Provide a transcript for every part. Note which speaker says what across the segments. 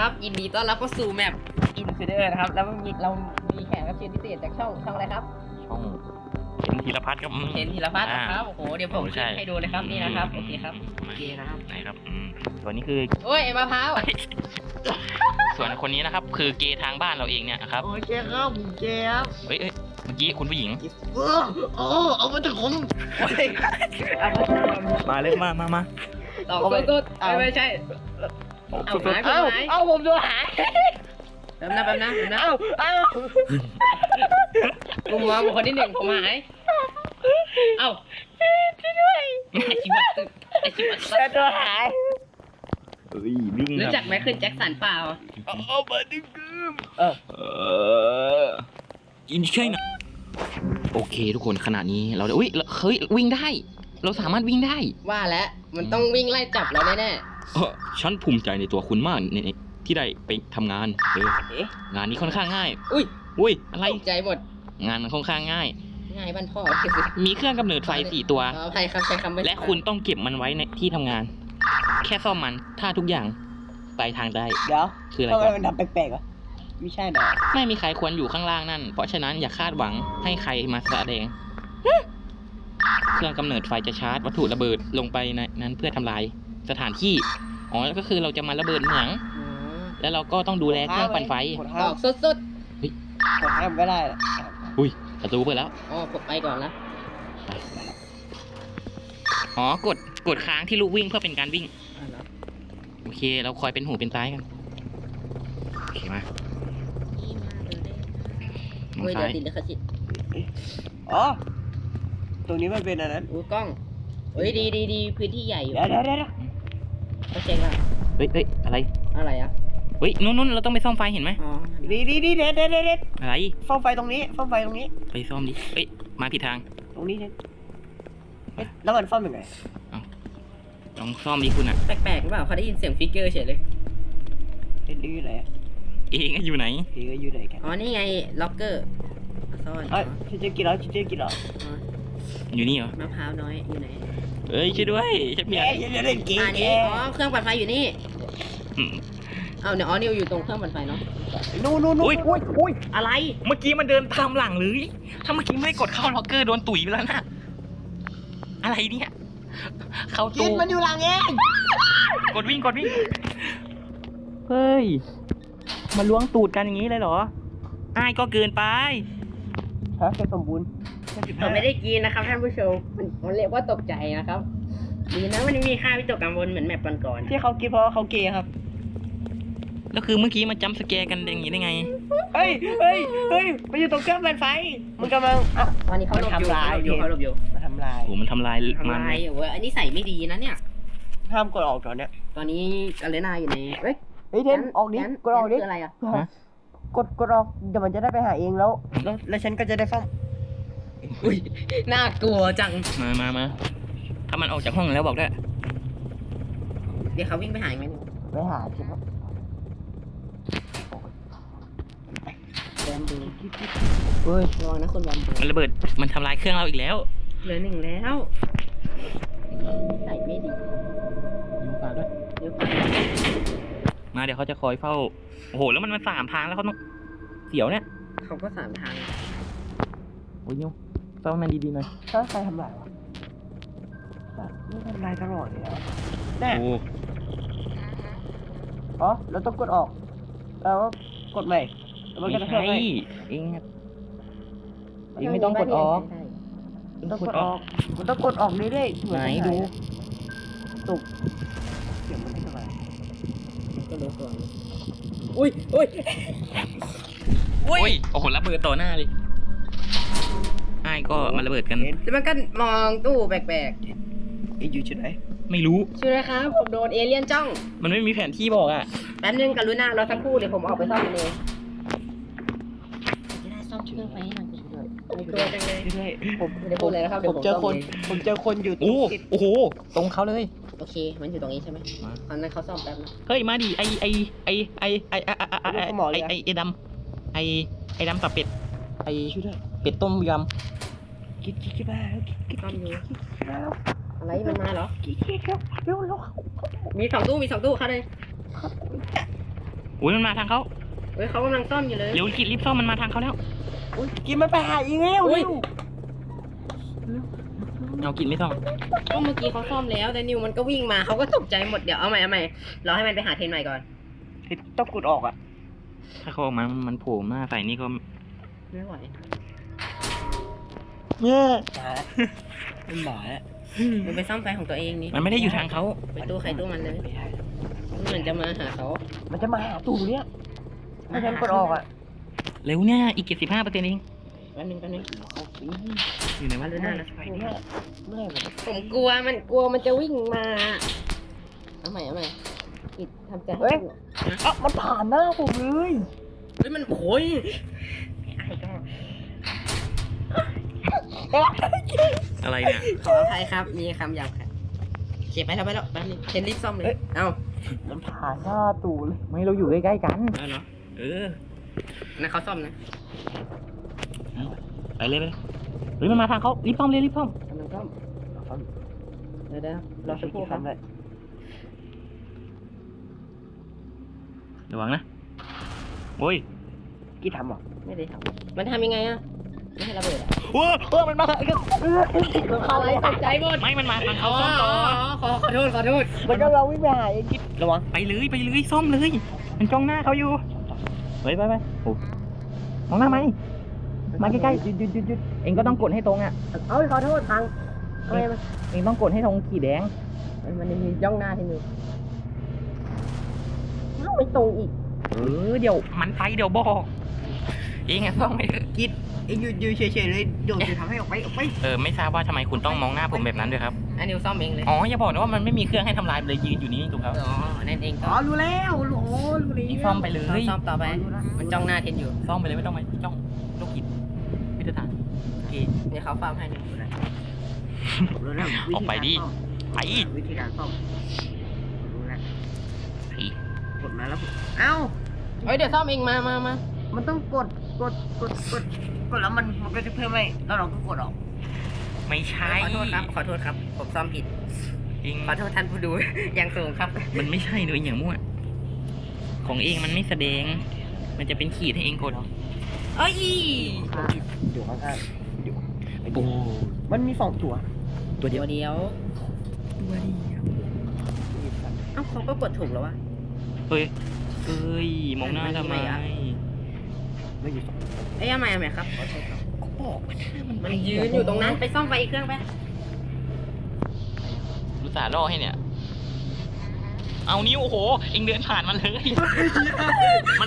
Speaker 1: นะครับยินดีต้อนรับเข้าสู่แมปอินฟิเดอร์นะครับแล้วเรามีแขกรับเชิญพิเศษจากช่องอะไรครับ
Speaker 2: ช่องเห็นธีรพัฒน์ครับ
Speaker 1: เห็นธีรพัฒน์นะครับโอ้โหเดี๋ยวผมขึ้นให้ดูเลยครับนี่นะครับโอเคครับโอเคนะครับ
Speaker 2: ไหนครับส่วนนี้คือ
Speaker 1: โอ้ยมะพร้าว
Speaker 2: ส่วนคนนี้นะครับคือเกย์ทางบ้านเราเองเนี่ยครับ
Speaker 3: โอเคครับผมเกย์ครับ
Speaker 2: เฮ้ยเมื่อกี้คุณผู้หญิง
Speaker 3: เอามาถึงผม
Speaker 2: มาเลยมา
Speaker 1: ต่อสุดๆไม่ใช่เอาหาย
Speaker 3: เอาผมโดนหาย
Speaker 1: แป๊บนะกูมองคนที่หนึ่งผมหายเอ้าช่วยด้วยไอชิวัตตึกไอชิวัตตึก
Speaker 3: ตัวหาย
Speaker 2: วิ่ง
Speaker 1: รู้จักไมเคิลแจ็คสันเปล่า
Speaker 3: เอามาดึง
Speaker 2: กินใช่นะโอเคทุกคนขณะนี้เราเฮ้ยวิ่งได้เราสามารถวิ่งได้
Speaker 1: ว่าแล้วมันต้องวิ่งไล่จับเราแน่
Speaker 2: ฉันภูมิใจในตัวคุณมากที่ได้ไปทำงานงานนี้ค่อนข้างง่ายอุ้ยอะไร
Speaker 1: ใจหมด
Speaker 2: งานมันค่อนข้างง่าย
Speaker 1: บ้านพ่อ
Speaker 2: มีเครื่องกำเนิดไฟ4 ตัว
Speaker 1: ใช่ครับใช้คำ
Speaker 2: และคุณต้องเก็บมันไว้ในที่ทำงานแค่ซ่อมมันถ้าทุกอย่างไปทางได้
Speaker 3: เดี๋ยว
Speaker 2: คืออะไร
Speaker 3: ทำไมมันทำแปลกๆอ่ะไม่ใช่หรอ
Speaker 2: ไม่มีใครควรอยู่ข้างล่างนั่นเพราะฉะนั้นอย่าคาดหวังให้ใครมาแสดงเครื่องกำเนิดไฟจะชาร์จวัตถุระเบิดลงไปในนั้นเพื่อทำลายสถานที่ก็คือเราจะมาระเบิดเหมืองแล้วเราก็ต้องดูแลเครื่องปั่นไฟ
Speaker 1: ออกสุด
Speaker 3: กดห้ามก็ได้
Speaker 2: อุ้ยประตูเปิดแล้ว
Speaker 1: กดไปก่อนนะ
Speaker 2: กดค้างที่ลูกวิ่งเพื่อเป็นการวิ่งโอเคเราคอยเป็นหูเป็นตากันโอเคมา
Speaker 1: เดี๋ยวติดเลยค่ะสิ
Speaker 3: ตรงนี้มันเป็นอะไรนั้น
Speaker 1: กล้องดีพื้นที่ใหญ่อยู่
Speaker 3: เดี๋ยว
Speaker 1: ก็เจ๊งละ
Speaker 2: เฮ้ยอะไร
Speaker 1: อ่ะ
Speaker 2: เฮ้ยนู้นเราต้องไปซ่อมไฟเห็นไหม
Speaker 3: ดีเด็ด
Speaker 2: อะไร
Speaker 3: ซ่อมไฟตรงนี้
Speaker 2: ไปซ่อมดิเฮ้ยมาผิดทาง
Speaker 3: ตรงนี้เนี่ยแล้วมันซ่อมยังไง
Speaker 2: ลองซ่อมดิคุณอ่ะ
Speaker 1: แปลกๆหรือเปล่าเขาได้ยินเสียงฟิกเกอร์เฉยเลย
Speaker 3: อยู่ไหน
Speaker 2: เองอยู่ไหน
Speaker 3: กัน
Speaker 1: นี่ไงล็อกเกอร์ซ่อน
Speaker 3: ชิเจกินแล้ว
Speaker 2: อยู่นี่เหรอ
Speaker 1: มะพร้าวน้อยอยู่ไหน
Speaker 2: เฮ้ยช่วยด้วยฉันอยาก
Speaker 3: เล่นเกม
Speaker 1: เครื่องปั่นไฟอยู่นี่เนี่ยนิวอยู่ตรงเครื่องปั่นไฟเนาะ
Speaker 3: นู่น
Speaker 1: อุ้ยอะไร
Speaker 2: เมื่อกี้มันเดินตามหลังเลยถ้าเมื่อกี้ไม่กดเข้าล็อกเกอร์โดนตุ๋ยไปแล้วนะอะไรเนี่ยเข้าตู้
Speaker 3: มันอยู่หลังเอง
Speaker 2: กดวิ่งเฮ้ยมาล้วงตูดกันอย่างนี้เลยเหรออ้ายก็เกินไป
Speaker 3: แค่สมบูรณ์
Speaker 1: เราไม่ได้กินนะครับท่านผู้ชมมันเรียกว่าตกใจนะครับดีนะมันมีค่าวิตกกังวลเหมือนแมปก่อน
Speaker 3: ที่เขากินเพราะเขาเกย์ครับ
Speaker 2: แล้วคือเมื่อกี้มาจัมป์สแกร์กันอย่างนี้ได้ไง
Speaker 3: เฮ้ยมันอยู่ตรงเครื่องปั่นไฟมันกำลัง
Speaker 1: ตอนนี้เขาหลบอยู่
Speaker 3: มันทำลาย
Speaker 2: มันทำลาย
Speaker 1: อันนี้ใส่ไม่ดีนะเนี่ย
Speaker 3: ห้ามกดออกตอนเนี้ย
Speaker 1: ตอนนี้อเลน่าอยู่ใน
Speaker 3: เทนออกดิกดออกดิ
Speaker 1: อะไรอ่ะ
Speaker 3: กดออกเดี๋ยวมันจะได้ไปหาเองแล้วฉันก็จะได้ซ่อม
Speaker 1: อุ้ยน่ากลัวจัง
Speaker 2: มาถ้ามันออกจากห้องแล้วบอกได้
Speaker 1: เดี๋ยวเขาวิ่งไปหาไหม
Speaker 3: ไปหาใช่ไหม
Speaker 1: แบมบูเฮ้ยระวังนะคนแบมบู
Speaker 2: มันระเบิดมันทำลายเครื่องเราอีกแล้ว
Speaker 1: เหลือ1แล้วใส่ไม่ดี
Speaker 2: ฝากด้วยมาเดี๋ยวเขาจะคอยเฝ้าโอ้โหแล้วมันมา3 ทางแล้วเขาต้องเสียวเนี่ย
Speaker 1: เขาก็3 ทาง
Speaker 2: โอ้ยนิวเฝ้ามันดีๆหน่อย
Speaker 3: ถ้าใครทำลายวะนี่ทำลายตลอดเลยแน่เราต้องกดออกแล้วกดใหม่
Speaker 2: ไม่ใช่เองไม่ต้องกดออก
Speaker 3: ต้องกดออกมันต้องกดออกเรื่อยๆ
Speaker 2: ไหนดู
Speaker 3: ตุกเสียงมันไม่สบาย
Speaker 1: ก็รู้ตัวอุ้ย
Speaker 2: โอ้โหระเบิดต่อหน้าเลยไอ้ก็มาระเบิดกัน
Speaker 1: แล้วมันก็มองตู้แปลก
Speaker 3: ๆอยู่ที่ไหน
Speaker 2: ไม่รู้
Speaker 1: ช่วยนะครับผมโดนเอเลี่ยนจ้อง
Speaker 2: มันไม่มีแผนที่บอกอ่ะ
Speaker 1: แป๊บนึงกรุณาเราสักครู่เดี๋ยวผมออกไปซ่อมมันเองจะได้ซ่อมเครื่องไฟให้หน่อยตัวจังเลยผมไม่ได้พูดเลยนะครับ
Speaker 3: ผมเจอคนอยู่ตรง
Speaker 2: โอ้โหตรงเขาเลย
Speaker 1: โอเคมันอยู่ตรงนี้ใช่ไหมตอนนั้นเขาซ่อมแป๊บนะ
Speaker 2: เฮ้ยมาดิไอดำไอดำตับเป็ด
Speaker 3: ช่วยด้วย
Speaker 2: เป็ดต้มยำ
Speaker 3: คิดบ้า
Speaker 1: ซ่อมอยู่อะไรมันมาเหรอ
Speaker 3: เร็ว
Speaker 1: มี2 ตู้เข้าเลย
Speaker 2: อุ้ยมันมาทางเขา
Speaker 1: เฮ้ยเขากำลังซ่อมอยู่เลย
Speaker 2: เร็วกิดรีบซ่อมมันมาทางเขาแล้ว
Speaker 3: อุ้ยกินมันไปหาอีกแล้ว
Speaker 1: อุ้ย
Speaker 2: เอากิดไม่ซ่อม
Speaker 1: ก็เมื่อกี้เขาซ่อมแล้วแต่นิวมันก็วิ่งมาเขาก็ตกใจหมดเดี๋ยวเอาใหม่เราให้มันไปหาเทนใหม่ก่อน
Speaker 3: ต้องกดออกอ่ะ
Speaker 2: ถ้าเขาออกมามันโผล่มาใส่นี่ก็
Speaker 1: ไม่ไหว
Speaker 3: เนี่ยมันหมาแล้ว
Speaker 1: มันไปซ่อมไฟของตัวเองนี่
Speaker 2: มันไม่ได้อยู่ทางเขา
Speaker 1: ไปตู้ใครตู้มันเลย
Speaker 3: ไม่ได้
Speaker 1: มันเหมือนจะมาหาเขา
Speaker 3: มันจะมาหาตู่เนี่ยถ้าฉันกดออกอ่ะ
Speaker 2: เร็วเนี่ยอีก75%เอง
Speaker 1: แป๊บนึง
Speaker 3: เขาสิ
Speaker 2: อยู่ไหนวะ
Speaker 1: เดี๋ยวนะ
Speaker 3: ไปเนี่ยเมื่อไหร่มัน
Speaker 1: ผมกลัวมันจะวิ่งมาเอาใหม่อิดทำใจให้ถูก
Speaker 3: อ่ะมันผ่านหน้าผมเลย
Speaker 1: เฮ้ยมันโอย
Speaker 2: อะไรเนี่ย
Speaker 1: ขออภัยครับมีคำหยาบค่ะเก็บไปแล้วแป๊บนึงเทนรีบซ่อมเลยเอ้า
Speaker 3: มันผ่านหน้าตู่เลย
Speaker 2: ไม่เราอยู่ใกล้ๆกัน
Speaker 1: เอาเนาะ
Speaker 2: เออ
Speaker 1: นะเขาซ่อมนะ
Speaker 2: ไปเลยเฮ้ยมันมาทางเขารีบซ่อมเลยรีบซ่อม
Speaker 1: กำลังซ่อมเดี๋ยวรอสักครู่ครับ
Speaker 3: เลย
Speaker 2: ระวังนะโอ้ย
Speaker 3: กี่ทำอ่ะ
Speaker 1: ไม่ได้ทำมันทำยังไงอะไม่ให้ระเบิดอะ
Speaker 2: โอ้มันมา
Speaker 1: เขาอะไรตกใจหมด
Speaker 2: ไม่มันมาทางเขาซ่อมต่อ
Speaker 1: ขอโทษ
Speaker 3: มันก็เราวิ่งไปหาไอ้กิ๊บระวัง
Speaker 2: ไปเลยซ่อมเลย มันจ้องหน้าเขาอยู่ไปโอ้มองหน้าไหมมาใกล้ๆหยุดเองก็ต้องกดให้ตรงอ่ะ
Speaker 1: เอาขอโทษพังอะไรมัน
Speaker 2: เองต้องกดให้ตรงขีดแดง
Speaker 1: มันมีย่องหน้าที่มือเอ้าไม่ตรงอีก
Speaker 2: เดี๋ยวมันไปเดี๋ยวบอกเองอะซ่อมไม่
Speaker 3: กิ๊บไอ้ยืนเฉยๆเลยโดดจะทำให้ออกไป
Speaker 2: ไม่ทราบว่าทำไมคุณต้องมองหน้าผมแบบนั้นด้วยครับ
Speaker 1: อันนิวซ่อมเองเลย
Speaker 2: อ๋ออย่าบอกนะว่ามันไม่มีเครื่องให้ทำลายเลยยืนอยู่นี่ถูกครับ
Speaker 1: อ๋อนั่นเอง
Speaker 3: อ๋อรู้แล้วรู้แล้ว
Speaker 2: นี่ซ่อมไปเลย
Speaker 1: ซ่อมต่อไป มันจ้องหน้าเทนอยู่
Speaker 2: ซ่อมไปเลยไม่ต้องมาจ้องลูกกิดพิธฐานโอเค
Speaker 1: เดี๋ยวเขาฟาร์มให้นิว
Speaker 3: รู้แล้ว
Speaker 2: ออกไปดิไป
Speaker 3: วิธีการซ่อมรู้แล้ว
Speaker 2: ไป
Speaker 3: กดมาแล้วเอ้า
Speaker 1: เฮ้ยเดี๋ยวซ่อมเองมา
Speaker 3: มันต้องกดแล้วมันก็จะเพิ่มให้แล้วเราก็กดออก
Speaker 2: ไม่ใช่
Speaker 1: ขอโทษครับผมซ่อมผิด
Speaker 2: เอง
Speaker 1: ขอโทษท่านผู้ดู อย่างสูงครับ
Speaker 2: มันไม่ใช่เลยอย่างมั่วของเองมันไม่แสดง มันจะเป็นขีดให้เองกด
Speaker 1: เอ้ย
Speaker 3: อยู่ข้างๆอยู่
Speaker 2: โอ้
Speaker 3: มันมี2ตัว
Speaker 2: ตัวเดียว
Speaker 1: เดียว เอ้าเขาก็กดถูกแล้ววะ
Speaker 2: เฮ้ยมองหน้าทำไม
Speaker 3: ไม่อยู่2
Speaker 1: เอ้ยเอาใหม่ครับขอโทษครับ
Speaker 3: ก็บอกว่าถ้ามัน
Speaker 1: มันยืนอยู่ตรงนั้นไปซ่อมไฟอีกเครื่องไป
Speaker 2: รู้สาห์ล่อให้เนี่ย เอานิ้วโอ้โห เองเดินผ่านมันเลย มัน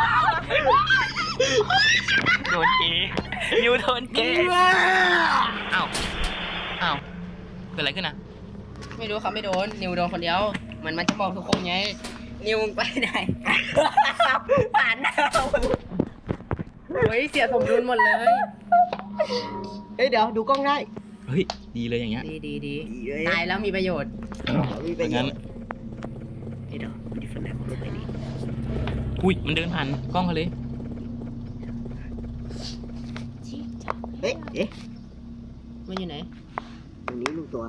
Speaker 2: โดนเกย์นิ้วโดนเกย์อ้าวเกิดอะไรขึ้นนะ
Speaker 1: ไม่รู้เขาไม่โดน นิวโดนคนเดียวเหมือนมันจะบอกทุกคนไง นิวมึงไปไหน ผ่านหน้าเฮ้ยเสียสมดุลหมดเลย
Speaker 3: เฮ้ยเดี๋ยวดูกล้องได้
Speaker 2: เฮ้ย ดีเลยอย่างเงี้ย
Speaker 1: ดี
Speaker 3: ดีเลย
Speaker 1: ตายแล้วมีประโยชน์
Speaker 3: มีไป
Speaker 2: งั้น
Speaker 3: เดี๋ยวดิฟันแลกของรถไปดิ
Speaker 2: อุ้ย มันเดินผ่านกล้องเขาเลย
Speaker 3: เอ๊ะ
Speaker 1: มันอยู่ไหน
Speaker 3: ตรงนี้ลูกตัว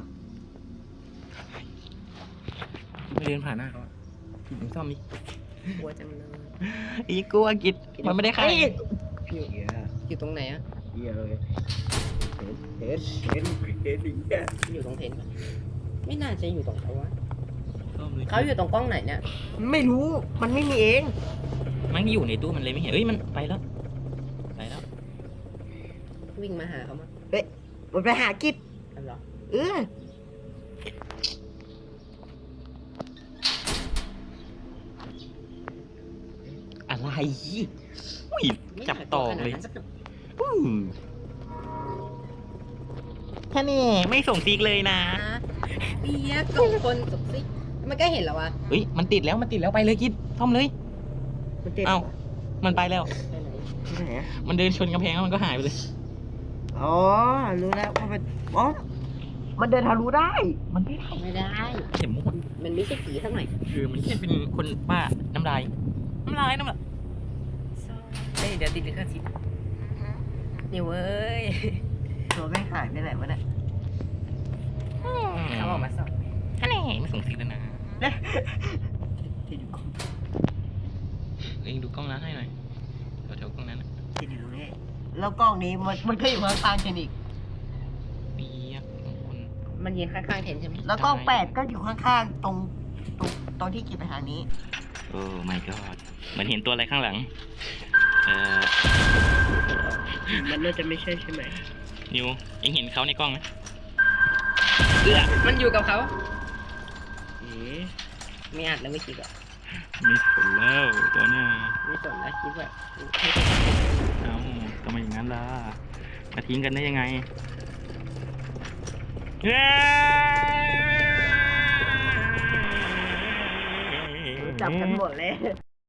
Speaker 2: มันเดินผ่านหน้าเขากิดมึงซ่อมดิ
Speaker 1: กลัวจังเลย
Speaker 2: อีกลัวกิดมันไม่ได้ฆ่า
Speaker 1: อยู่ตรงไหนอะ
Speaker 3: เหี้ยเลยเห็นเนี่ย
Speaker 1: อยู่ตรงเทนปะไม่น่าจะอยู่ตรงเขาวะ
Speaker 2: ซ่อมเลย
Speaker 1: เขาอยู่ตรงกล้องไหนเนี่ย
Speaker 3: ไม่รู้มันไม่มีเอง
Speaker 2: มันอยู่ในตู้มันเลยไม่เห็นเอ้ย มันไปแล้ว
Speaker 1: วิ่งมาหาเขามา
Speaker 3: มันไปหากิจ
Speaker 1: อันเหรอ
Speaker 2: อะไรอุ้ย จับต่อเลย แค่นี้ไม่ส่งซีกเลยนะ
Speaker 1: เอียกล่องคนสุกซิมันก็เห็นแล้ววะ
Speaker 2: เฮ้ย มันติดแล้วไปเลยกิดซ่อมเลย
Speaker 3: มันเจ็บ
Speaker 2: เอ้า มันไปแล้ว
Speaker 1: ไปไหน
Speaker 3: ที่ไหนอะ
Speaker 2: มันเดินชนกำแพงแล้วมันก็หายไปเลย
Speaker 3: อ๋อรู้แล้วว่ามันอ๋อมันเดินทะลุได้
Speaker 2: มันไม่ได้
Speaker 1: ไม่ได้
Speaker 2: เข็มหมด
Speaker 1: มันไม่ใช่ผีสักหน่อย
Speaker 2: คือมันแค่เป็นคนบ้าน้ำลาย
Speaker 1: เฮ้ยเดี๋ยวติดลิขสิทธิ์นี่เว้ย
Speaker 3: ตัวไม่หายไปไหนวะเนี่ย
Speaker 1: เขาออกมาสอบ
Speaker 2: แค่นี้ไม่ส่งซีกแล้วนะ
Speaker 3: ที่ดูกล้อง
Speaker 2: เองดูกล้องนั้นให้หน่อยแถวๆกล้องนั้นน่ะ
Speaker 1: ที่อยู่ตรงนี้แล้วกล้องนี้มันก็อยู่ข้างๆเทนอีก
Speaker 2: เปียกบางคน
Speaker 1: มันยืนข้างๆเทนใช่ไหม
Speaker 3: แล้วกล้อง8ก็อยู่ข้างๆตรงที่กินไปทางนี้
Speaker 2: โอ้ my god เหมือนเห็นตัวอะไรข้างหลัง
Speaker 1: มันน่าจะไม่ใช่ใช่ไหม
Speaker 2: นิวเองเห็นเขาในกล้องไหม
Speaker 1: มันอยู่กับเขาไม่อัดแล้วไม่คิดอ่ะ
Speaker 2: ไม่สนแล้วตัวเนี้ย
Speaker 1: ไม่สนแล้วคิดว่า
Speaker 2: เอ้าทำไมอย่างนั้นล่ะมาทิ้งกันได้ยังไง
Speaker 3: จับกันหมดเลย